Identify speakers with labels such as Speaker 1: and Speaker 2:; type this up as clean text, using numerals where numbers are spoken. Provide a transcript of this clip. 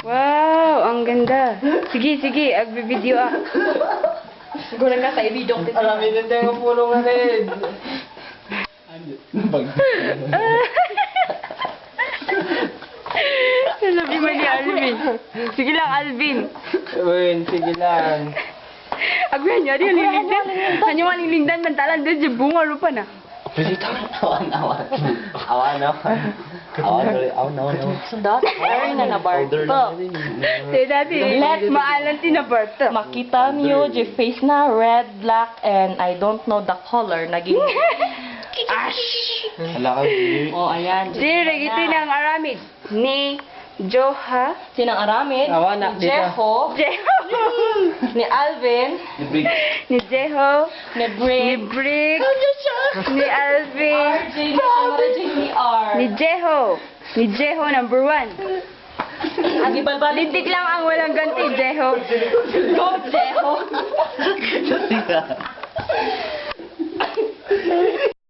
Speaker 1: Wow, ang ganda. Sige, sige, agbi-video ah.
Speaker 2: Siguro ka sa ibidok dito.
Speaker 3: Marami din tayo ng pulong na rin.
Speaker 1: Sabi mo ni Alvin. Sige lang, Alvin.
Speaker 3: Uy, sige lang.
Speaker 1: Agbi, nyari yung linglindan. Hanya yung linglindan, mantalan doon yung bunga lupa na.
Speaker 3: Awan.
Speaker 2: Sundot, ay na nabarto.
Speaker 1: Say dati, maalan tinabarto.
Speaker 2: Makita niyo, yung face na red, black, and I don't know the color. Naging ash.
Speaker 3: Hala ka, G.
Speaker 2: Oh, ayan.
Speaker 1: Dire, ito ng aramid. Ni Joha.
Speaker 2: Sinang Aramid,
Speaker 3: Awa na,
Speaker 2: ni Jeho,
Speaker 1: Jeho.
Speaker 2: ni Alvin,
Speaker 1: Ni Jeho.
Speaker 2: ni
Speaker 1: Ni
Speaker 2: Brick,
Speaker 1: Brick. Ni Alvin.
Speaker 2: RJ, ni Marajay, ni R.
Speaker 1: Ni Jeho. Ni Jeho number 1.
Speaker 2: Ang ibalbalik.
Speaker 1: Lintik lang ang walang ganti, Jeho.
Speaker 2: Go, Jeho.